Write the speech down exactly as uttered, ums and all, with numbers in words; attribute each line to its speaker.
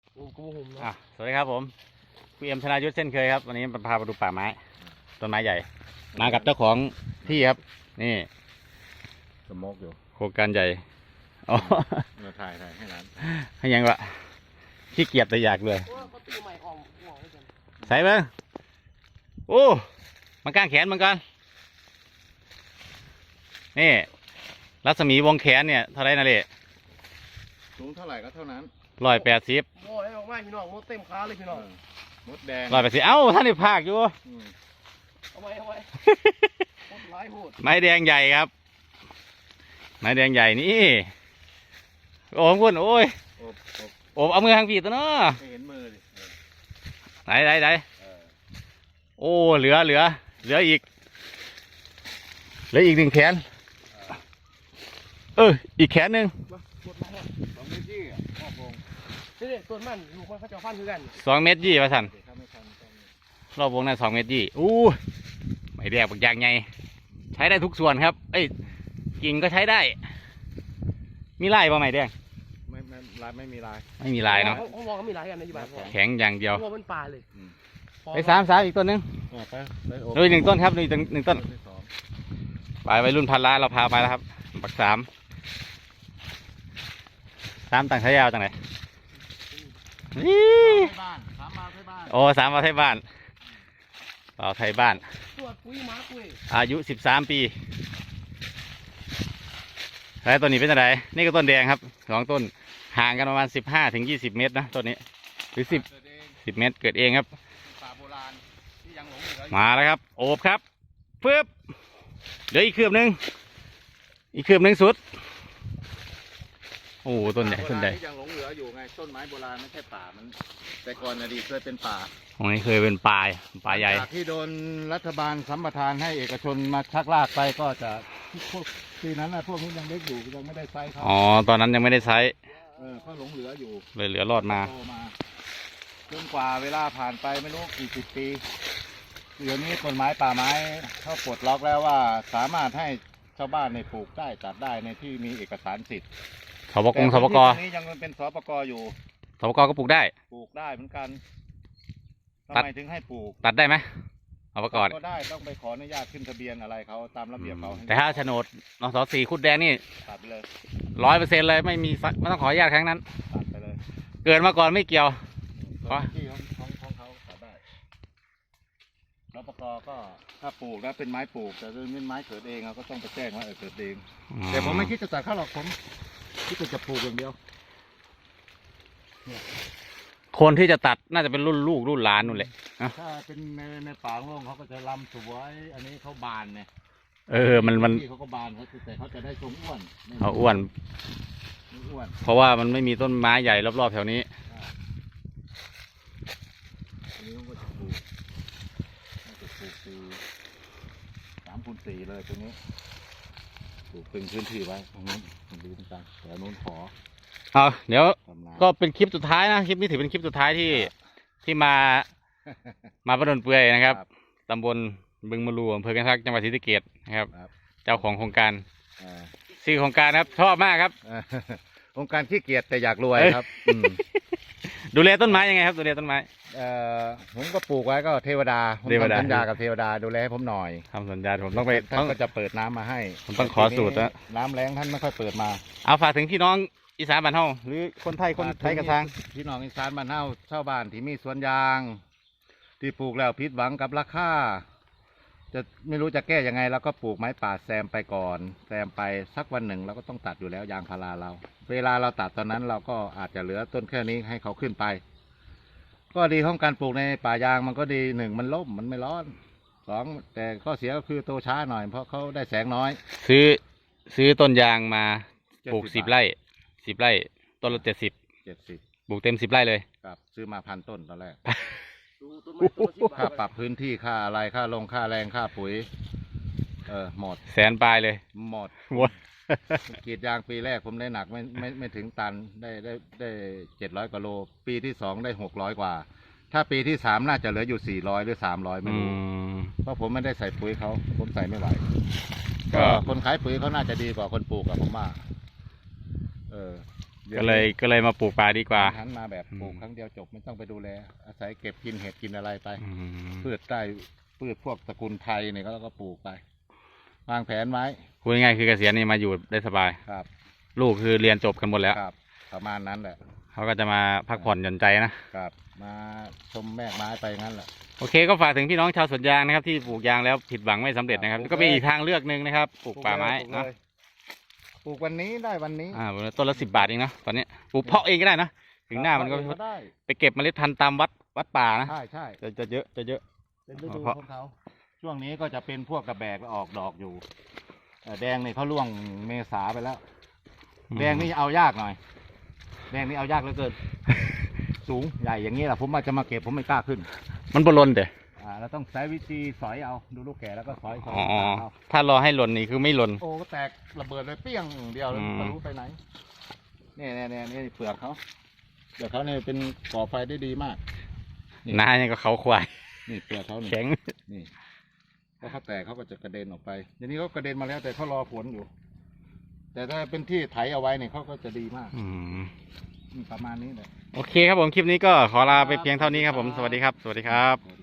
Speaker 1: อ่ะสวัสดีครับผมพี่เอ็มธนายุทธเช่นเคยครับวันนี้พาไปดูป่าไม้ต้นไม้ใหญ่มากับเจ้าของที่ครับนี่
Speaker 2: สมกอยู่
Speaker 1: โครงการใหญ่อ๋อ
Speaker 2: มาถ่ายถ่ายให้ร้าน
Speaker 1: ให้ยังวะขี้เกียจแต่อยากเลยใส่เบิ้งโอ้มันก้างแขนเหมือนกันนี่รัศมีวงแขนเนี่ยเท่าไรนะเล่
Speaker 2: สูงเท่าไหร่ก็เท่านั้น
Speaker 1: ร้อยแปดสิบ
Speaker 3: โอ้ยออกมาพี่น้องมดเต็มขาเลยพี่น้อง
Speaker 2: มดแดง
Speaker 1: ร้อยแปดสิบเอ้าท่านนี่ภาคอยู่
Speaker 3: เอาไว้เอาไว้มดร้ายโหด
Speaker 1: ไม้แดงใหญ่ครับไม้แดงใหญ่นี่โอ้คุณโอ้ยโอ้เอามือทางผีตัวเนาะ
Speaker 2: ไม่เห็นมือดิ
Speaker 1: ไหนไหนไหนโอ้เหลือเหลือเหลืออีกเหลืออีกหนึ่งแขนเอออีกแขนหนึ่ง
Speaker 2: สองเมตรยี่พ่อพง
Speaker 3: นี่ต้นมันลูกมันเขาจะฟันคือกัน
Speaker 1: สองเมตรยี่ประสันรอบวงนั้นสองเมตรยี่อู้ไม่แดกบางอย่างไงใช้ได้ทุกส่วนครับเอ้ยกิ่งก็ใช้ได้มีลายป่ะไหมแดง
Speaker 2: ไม่ไม่ลายไม่มีลาย
Speaker 1: ไม่มีลายเนาะ
Speaker 3: เขามองเขามีลายกันในที่บ้าน
Speaker 1: แข็งอย่างเดียว
Speaker 3: ตัวมันปลาเลย
Speaker 1: ไปสามสามอีกต้นนึงโดยหนึ่งต้นครับโดยหนึ่งต้นไปไปรุ่นพันล้านเราพาไปแล้วครับปักสามสามต่างชายาวต่างไหนนี่โอ้สามมาไทยบ้านเราไทยบ้านอายุสิบสามปีแล้วต้นนี้เป็นอะไรนี่ก็ต้นแดงครับสองต้นห่างกันประมาณสิบห้าถึงยี่สิบเมตรนะต้นนี้หรือสิบสิบเมตรเกิดเองครับมาแล้วครับโอบครับเพิ่มเดี๋ยวอีกคืบหนึ่งอีกคืบหนึ่งสุดโอ้ต้นใหญ่ต้นใหญ่
Speaker 2: ยังหลงเหลืออยู่ไงต้นไม้โบราณไม่ใช่ป่ามันแต่ก่อนอดีตเคยเป็นป่า
Speaker 1: ตรงนี้เคยเป็นป่าป่าใหญ่
Speaker 2: ที่โดนรัฐบาลสัมปทานให้เอกชนมาชักลากไปก็จะพวกทีนั้นนะพวกนี้ยังเล็กอยู่ยังไม่ได้ไซส์เขา
Speaker 1: อ๋อตอนนั้นยังไม่ได้ไซส์
Speaker 2: เออเขาหลงเหลืออยู่
Speaker 1: เลยเหลือรอดมา
Speaker 2: จนกว่าเวลาผ่านไปไม่รู้กี่สิบปีเดี๋ยวนี้กฎหมายป่าไม้เขาปลดล็อกแล้วว่าสามารถให้ชาวบ้านในปลูกได้ตัดได้ในที่มีเอกสารสิทธิ์
Speaker 1: สปกงสปก
Speaker 2: นี้ยังเป็นสปกอยู่
Speaker 1: สปกก็ปลูกได้
Speaker 2: ปลูกได้เหมือนกันทำไมถึงให้ปลูก
Speaker 1: ตัดได้ไหมเอาประกอบ
Speaker 2: ก็ได้ต้องไปขออนุญาตขึ้นทะเบียนอะไรเขาตามระเบียบเขา
Speaker 1: แต่ถ้าโฉนดนสสี่คุดแดงนี่
Speaker 2: ตัดไปเลย
Speaker 1: ร้อยเปอร์เซ็นต์เลยไม่มีไม่ต้องขออนุญาตครั้งนั้น
Speaker 2: ตัดไปเลย
Speaker 1: เกิดมาก่อนไม่เกี่ยว
Speaker 2: เพราะที่ของของของเขาตัดได้สปกก็ถ้าปลูกแล้วเป็นไม้ปลูกแต่เป็นไม้เกิดเองเราก็ต้องไปแจ้งว่าเออเกิดเองแต่ผมไม่คิดจะตัดเขาหรอกผมคิดจะปลูกอย่างเดียว
Speaker 1: คนที่จะตัดน่าจะเป็นรุ่นลูกรุ่นหลานนู่นแหละ
Speaker 2: ถ้าเป็นในในป่าโล่งเขาก็จะลำสวยอันนี้เขาบานเนี่ย
Speaker 1: เออมันมัน
Speaker 2: เขาก็บานเขาแต่เขาจะได้ทรงอ้วน
Speaker 1: เขาอ้วน
Speaker 2: อ้วน
Speaker 1: เพราะว่ามันไม่มีต้นไม้ใหญ่รอบๆแถวนี้
Speaker 2: อันนี้ก็จะปลูกจะปลูกสี่สามคูณสี่เลยตรงนี้ปลูกเป็นพื้นที่ไว้ตรงนู้นดูต่างๆแต่นู้นขอ
Speaker 1: เอาเดี๋ยวก็เป็นคลิปสุดท้ายนะคลิปนี้ถือเป็นคลิปสุดท้ายที่ที่มามาประดนเปื่อยนะครับตำบลบึงมะลูอำเภอกันทักจังหวัดศรีสะเกษนะครับเจ้าของโครงการชื่อโครงการครับชอบมากครับ
Speaker 2: โครงการขี้เกียจแต่อยากรวยครับ
Speaker 1: ดูแลต้นไม้ยังไงครับดูแลต้นไม้
Speaker 2: ผมก็ปลูกไว้ก็เทวดาผมทำสัญญากับเทวดาดูแลให้ผมหน่อย
Speaker 1: ทำสัญญาผมต้องไป
Speaker 2: ท่านก็จะเปิดน้ำมาให้
Speaker 1: ผมต้องขอสูตรนะ
Speaker 2: น้ำแรงท่านไม่ค่อยเปิดมา
Speaker 1: เอาฝากถึงพี่น้องอีสานบ้านเฮาหรือคนไทยคนไทยกระซัง
Speaker 2: พี่น้องอีสานบ้านเฮาชาวบ้านที่มีสวนยางที่ปลูกแล้วผิดหวังกับราคาจะไม่รู้จะแก้ยังไงแล้วก็ปลูกไม้ป่าแซมไปก่อนแซมไปสักวันหนึ่งเราก็ต้องตัดอยู่แล้วยางพาราเราเวลาเราตัดตอนนั้นเราก็อาจจะเหลือต้นแค่นี้ให้เขาขึ้นไปก็ดีของการปลูกในป่ายางมันก็ดีหนึ่งมันล่มมันไม่ร้อนสองแต่ข้อเสียก็คือโตช้าหน่อยเพราะเขาได้แสงน้อย
Speaker 1: ซื้อซื้อต้นยางมาปลูกสิบไร่สิบไร่ต้นละเจ็ดสิบ
Speaker 2: เจ็ดสิบ
Speaker 1: ปลูกเต็มสิบไร่เลย
Speaker 2: ครับซื้อมาพันต้นตอนแรกค่าปรับพื้นที่ค่าอะไรค่าลงค่าแรงค่าปุ๋ยเออหมด
Speaker 1: แสนปลายเลย
Speaker 2: หมดหมดกรีดยางปีแรกผมได้หนักไม่ไม่ไม่ถึงตันได้ได้ได้เจ็ดร้อยกว่าโลปีที่สองได้หกร้อยกว่าถ้าปีที่สามน่าจะเหลืออยู่สี่ร้อยหรือสามร้อยไม่รู้เพราะผมไม่ได้ใส่ปุ๋ยเขาผมใส่ไม่ไหวก็คนขายปุ๋ยเขาน่าจะดีกว่าคนปลูกอะผมว่าเออ
Speaker 1: ก็เลยก็เลยมาปลูกป่าดีกว่า
Speaker 2: หันมาแบบ
Speaker 1: อืม
Speaker 2: ปลูกครั้งเดียวจบไม่ต้องไปดูแล อาศัยเก็บกินเห็ดกินอะไรไป
Speaker 1: อืม
Speaker 2: พืชได้พืชพวกตระกูลไทยเนี่ยก็ก็ปลูกไป วางแผนไว้
Speaker 1: พูดง่ายๆคือเกษียณนี่มาอยู่ได้สบาย
Speaker 2: ครับ
Speaker 1: ลูกคือเรียนจบกันหมดแล้ว
Speaker 2: ครับ ประมาณนั้นแหละ
Speaker 1: เขาก็จะมาพักผ่อนหย่อนใจนะ
Speaker 2: ครับ มาชมแม่กไม้ไปงั้นแหละ
Speaker 1: โอเคก็ฝากถึงพี่น้องชาวสวนยางนะครับที่ปลูกยางแล้วผิดหวังไม่สำเร็จนะครับ
Speaker 2: ปลูก
Speaker 1: ก็เป็น
Speaker 2: เลย
Speaker 1: อีกทางเลือกหนึ่งนะครับปลูกป่าไม้
Speaker 2: ปลูก
Speaker 1: เนาะ
Speaker 2: เลยปลูกวันนี้ได้วันนี้
Speaker 1: อ่าต้นละสิบบาทเองเนาะตอนนี้ปลูกเพาะเองก็ได้นะถึงหน้ามันก็
Speaker 2: ก็ได้
Speaker 1: ไปเก็บเมล็ดพันธุ์ตามวัดวัดป่านะ
Speaker 2: ใช่ใช่
Speaker 1: จะจะเยอะจะเยอะ
Speaker 2: เป็นฤดู
Speaker 1: เพราะ
Speaker 2: ของเขาช่วงนี้ก็จะเป็นพวกกระแบกแล้วออกดอกอยู่เอ่อแดงนี่เขาล่วงเมษาไปแล้ว แดงนี่เอายากหน่อย แดงนี่เอายากเหลือเกิน สูงใหญ่อย่างนี้แหละผมอาจจะมาเก็บผมไม่กล้าขึ้น
Speaker 1: มันบอลลนเด้
Speaker 2: อ่าเราต้องใช้วิธีสอยเอาดูลูกแก่แล้วก็สอยสอย
Speaker 1: อ๋อ
Speaker 2: เอา
Speaker 1: ถ้ารอให้หล่นนี่คือไม่หล่น
Speaker 2: โอ้ก็แตกระเบิดเลยเปี้ยงเดียวแล้ว
Speaker 1: อืม
Speaker 2: ไม่รู้ไปไหนเนี่ยเนี่ยเนี่ยนี่เปลือกเขาเปลือกเขาเนี่ยเป็นก่อไฟได้ดีมาก นี่
Speaker 1: หน้ายังก็เขาควาย
Speaker 2: นี่เปลือกเขานี่
Speaker 1: แข็ง
Speaker 2: นี่พอเขาแตกเขาก็จะกระเด็นออกไปเดี๋ยวนี้เขากระเด็นมาแล้วแต่เขารอฝนอยู่ แต่ถ้าเป็นที่ไถเอาไว้เนี่ยเขาก็จะดีมาก
Speaker 1: อืม
Speaker 2: อืมประมาณนี้แหละ
Speaker 1: โอเคครับผมคลิปนี้ก็ขอลาไปเพียงเท่านี้ครับผมสวัสดีครับ สวัสดีครับ
Speaker 2: สวัสดี